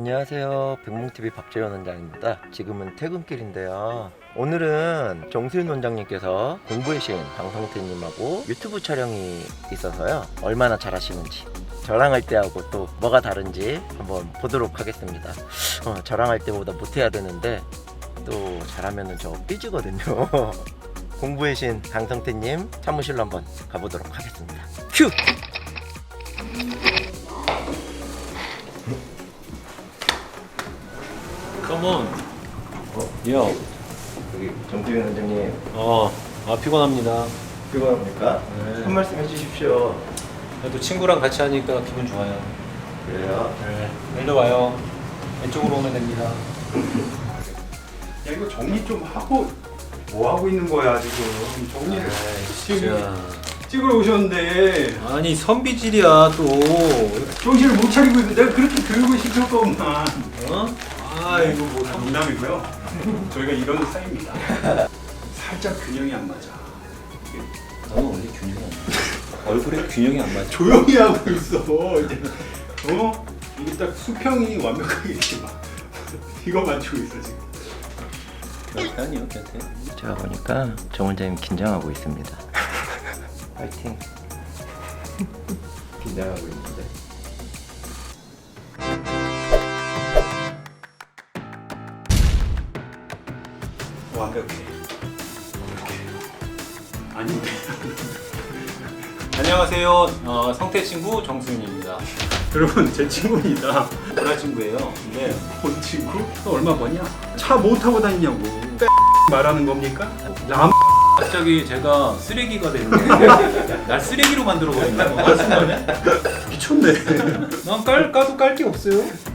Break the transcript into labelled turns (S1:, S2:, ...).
S1: 안녕하세요. 백몽TV 박재현 원장입니다. 지금은 퇴근길인데요. 오늘은 정수윤 원장님께서 공부의 신 강성태님하고 유튜브 촬영이 있어서요. 얼마나 잘하시는지 저랑 할 때하고 또 뭐가 다른지 한번 보도록 하겠습니다. 저랑 할 때보다 못해야 되는데 또 잘하면 저 삐지거든요. 공부의 신 강성태님 사무실로 한번 가보도록 하겠습니다. 큐!
S2: 컴온. 야.
S1: 여기 정수윤 원장님
S2: 피곤합니다.
S1: 피곤합니까?
S2: 네.
S1: 한 말씀 해주십시오.
S2: 그래도 친구랑 같이 하니까 기분 좋아요.
S1: 그래요?
S2: 네. 일로 와요. 왼쪽으로 오면 됩니다.
S3: 야, 이거 정리 좀 하고 뭐 하고 있는 거야 지금? 정리를
S2: 진짜.
S3: 찍으러 오셨는데
S2: 아니 선비질이야 또.
S3: 정신을 못 차리고 있는데 내가 그렇게 교육을 시킬 거구만.
S2: 어? 아 이거 뭐
S3: 농담이고요. 저희가 이런 사이입니다. 살짝 균형이 안 맞아.
S2: 나는 원래 균형이 안 맞아. 얼굴에 균형이 안 맞아.
S3: 조용히 하고 있어. 이제 이게 딱 수평이 완벽하게 이렇게 막 이거 맞추고 있어 지금.
S2: 몇 단이요, 곁에?
S1: 제가 보니까 정 원장님 긴장하고 있습니다. 파이팅. 긴장하고 있는데.
S3: 완벽해. 완벽해. 아닌데.
S2: 안녕하세요. 성태 친구 정수윤입니다.
S3: 여러분 제 친구입니다.
S2: 보라 친구예요. 근데
S3: 본 친구? 너 얼마 버냐? 차 못 타고 다니냐고. 말하는 겁니까? 남
S2: 갑자기 제가 쓰레기가 됐는데 날 쓰레기로 만들어버린다. 무슨 말이야?
S3: 미쳤네.
S2: 난 까도 깔 게 없어요.